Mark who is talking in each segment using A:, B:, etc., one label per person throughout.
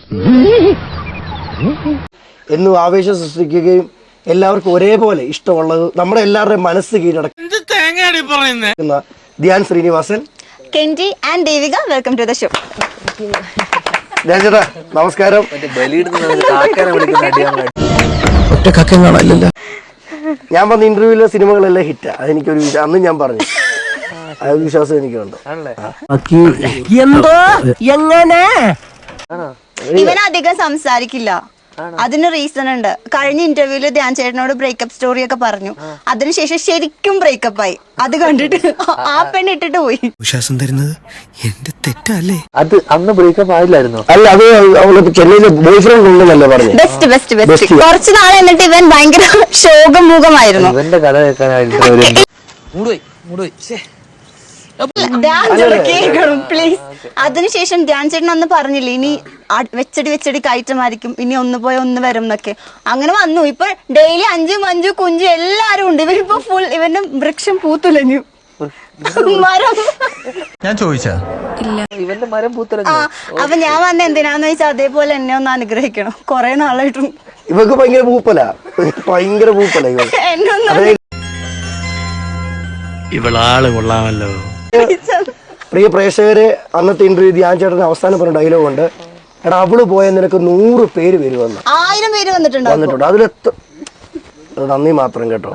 A: എന്നും ആവേശം സൃഷ്ടിക്കുകയും എല്ലാവർക്കും ഒരേപോലെ ഇഷ്ടമുള്ളത് നമ്മുടെ എല്ലാവരുടെയും മനസ്സ് കീഴടക്കുന്ന Dhyan Sreenivasan,
B: Kenji and Devika, welcome to the show.
A: Dhyan ചേട്ടാ നമസ്കാരം. ഞാൻ പറഞ്ഞ ഇന്റർവ്യൂവിലെ സിനിമകളെല്ലാം ഹിറ്റാ, അതെനിക്കൊരു അന്നും ഞാൻ പറഞ്ഞു, അതൊരു വിശ്വാസം എനിക്കുണ്ട്.
C: എന്തോ എങ്ങനെ
B: ഇവൻ അധികം സംസാരിക്കില്ല, അതിന് റീസൺ ഉണ്ട്. കഴിഞ്ഞ ഇന്റർവ്യൂല് ധ്യാൻ ചേട്ടനോട് ബ്രേക്കപ്പ് സ്റ്റോറി ഒക്കെ പറഞ്ഞു, അതിനുശേഷം ശരിക്കും ബ്രേക്കപ്പ് ആയി. അത് കണ്ടിട്ട് ആ പെണ്ണ് ഇട്ടിട്ട് പോയി.
D: വിശ്വാസം തരുന്നത് എന്റെ തെറ്റല്ലേ?
E: അത് അന്ന് ബ്രേക്കപ്പ് ആയില്ലായിരുന്നു.
A: അല്ല, അത് അവള് ചെന്നൈയിലെ ബോയ് ഫ്രണ്ട് ഉണ്ടെന്നല്ലേ പറഞ്ഞു.
B: Best best best. കുറച്ച് നാൾ എന്നിട്ട് ഇവൻ ഭയങ്കര ശോകമുഖമായിരുന്നു.
E: ഇവന്റെ കഥ കേൾക്കാനായിട്ട്
B: പ്ലീസ്. അതിനുശേഷം ധ്യാൻ ചേട്ടൻ ഒന്ന് പറഞ്ഞില്ലേ, ഇനി വെച്ചടി കയറ്റമായിരിക്കും, ഇനി ഒന്ന് പോയി ഒന്ന് വരും എന്നൊക്കെ. അങ്ങനെ വന്നു. ഇപ്പൊ ഡെയിലി 5 5 കുഞ്ചു എല്ലാരും ഉണ്ട്. ഇവരിപ്പോ ഫുൾ ഇവന്റെ വൃക്ഷം പൂത്തുലഞ്ഞു. മരം
D: ഞാൻ ചോദിച്ചാ
E: ഇവന്റെ മരം പൂത്തലഞ്ഞു.
B: അപ്പൊ ഞാൻ വന്ന എന്തിനാന്ന് വെച്ചാൽ അതേപോലെ എന്നെ ഒന്ന് അനുഗ്രഹിക്കണം. കൊറേ നാളായിട്ടും
A: ഇവക്ക് ഭയങ്കര പൂപ്പല
B: എന്നെ ഒന്ന്
D: ഇവളാള് കൊള്ളാമല്ലോ.
A: പ്രിയ പ്രേക്ഷകരെ, അന്നത്തെ ഇന്റർവ്യൂ ധ്യാൻ ചേട്ടൻ അവസാനം പറഞ്ഞ ഡയലോഗ് ഉണ്ട്, എടാ അവള് പോയ നിനക്ക് 100 പേര് വരുമെന്ന്.
B: 1000 പേര് വന്നിട്ടുണ്ട്.
A: അതിലെത്ര നന്ദി മാത്രം കേട്ടോ.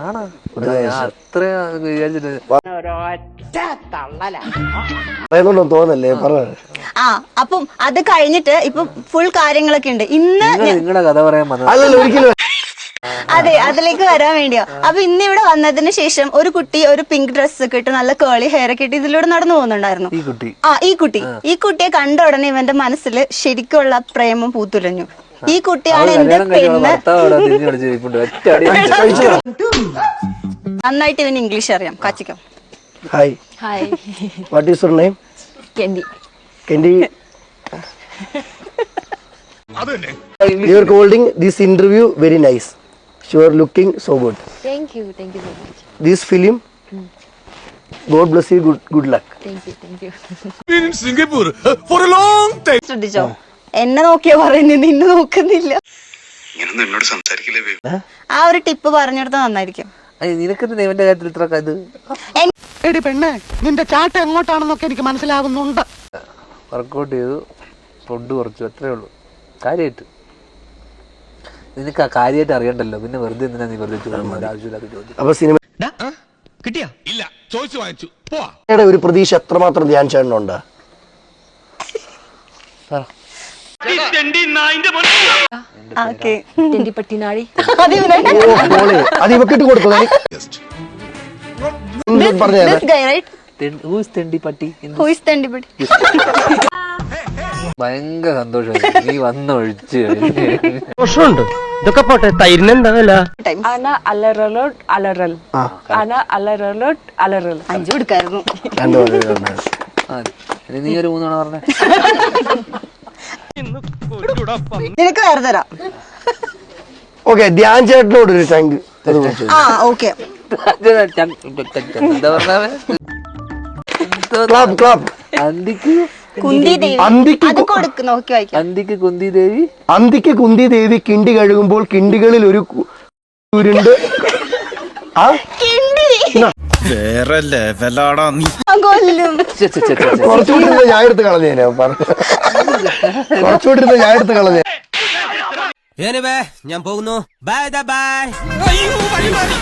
A: പറയുന്നുണ്ടോ തോന്നല്ലേ പറഞ്ഞത്.
B: അപ്പം അത് കഴിഞ്ഞിട്ട് ഇപ്പൊ ഫുൾ കാര്യങ്ങളൊക്കെ ഉണ്ട്. ഇന്ന്
E: നിങ്ങളുടെ കഥ പറയാൻ
A: അല്ലല്ലോ ഒരിക്കലും.
B: അതെ, അതിലേക്ക് വരാൻ വേണ്ടിയോ. അപ്പൊ ഇന്ന് ഇവിടെ വന്നതിന് ശേഷം ഒരു കുട്ടി ഒരു പിങ്ക് ഡ്രസ് ഒക്കെ ഇട്ട് നല്ല കേളി ഹെയർ ഒക്കെ ഇട്ട് ഇതിലൂടെ നടന്നു പോകുന്നുണ്ടായിരുന്നു. ഈ കുട്ടിയെ കണ്ട ഉടനെ ഇവന്റെ മനസ്സിൽ ശരിക്കുള്ള പ്രേമം പൂത്തുലഞ്ഞു. ഈ കുട്ടിയാണ് എന്റെ പെണ്ണ്. നന്നായിട്ട് ഇവന് ഇംഗ്ലീഷ് അറിയാം. കാച്ചിക്കാം.
A: Hi, what is your name? Kendi. You are holding this interview very nice. You are looking so good.
F: Thank you so much.
A: This film, God bless you, good luck.
F: Thank you.
D: Been in Singapore for a long time.
B: ശ്രദ്ധിച്ചോ, എന്നെ നോക്കിയാ പറയുന്നത്, നിന്നെ നോക്കുന്നില്ല.
D: എന്നോട് സംസാരിക്കില്ലേ?
B: ആ ഒരു tip പറഞ്ഞെടുത്ത നന്നായിരിക്കും.
E: നിനക്ക് ഇവന്റെ കാര്യത്തിൽ ഇത്ര ഇത്
C: എടി പെണ്ണെ, നിന്റെ ചാട്ട എങ്ങോട്ടാണെന്നൊക്കെ എനിക്ക് മനസ്സിലാകുന്നുണ്ട്.
E: വർക്കൗട്ട് ചെയ്തു, ഫുഡ് കുറച്ചു, അത്രേ ഉള്ളൂ കാര്യമായിട്ട്. നിനക്ക് ആ കാര്യമായിട്ട് അറിയണ്ടല്ലോ, പിന്നെ വെറുതെ എന്തിനാ നീ വെറുതെ ആവശ്യമില്ലാത്ത ചോദ്യം.
A: അപ്പൊ സിനിമ
D: കിട്ടിയാ? ഇല്ല, ചോദിച്ചു വാങ്ങിച്ചു. പോവാ.
A: ഒരു പ്രതീക്ഷ എത്രമാത്രം ധ്യാൻ ചേട്ടനുണ്ട്? അത് ഇവക്കിട്ട് കൊടുത്തു.
E: ഭയങ്കര സന്തോഷമായി നീ വന്നൊഴിച്ച്.
C: ഇതൊക്കെ പോട്ടെ, തൈരിനെന്താ
E: നീ ഒരു 3 തവണ പറഞ്ഞേ.
B: നിനക്ക് വേറെ തരാം.
A: ഓക്കെ, ധ്യാൻ ചേട്ടനോട് ഒരു താങ്ക് യു.
B: ഓക്കെ,
E: എന്താ പറഞ്ഞേ? അന്തിക്ക്
B: കുന്തി ദേവി. അത് കൊടുക്ക്, നോക്കി വായിക്കാം.
E: അന്തിക്ക് കുന്തി ദേവി.
A: അന്തിക്ക് കുന്തി ദേവി കിണ്ടി കഴുകുമ്പോൾ കിണ്ടികളിൽ ഒരു ഉരുണ്ട്.
D: വേറെ ലെവലാടാ നീ.
B: കൊല്ലും.
A: കുറച്ചുകൂടി ഞാൻ എടുത്ത് കളഞ്ഞേനെ. കുറച്ചുകൂടി ഞാൻ എടുത്ത് കളഞ്ഞേ.
C: ഞാൻ പോകുന്നു. Bye by.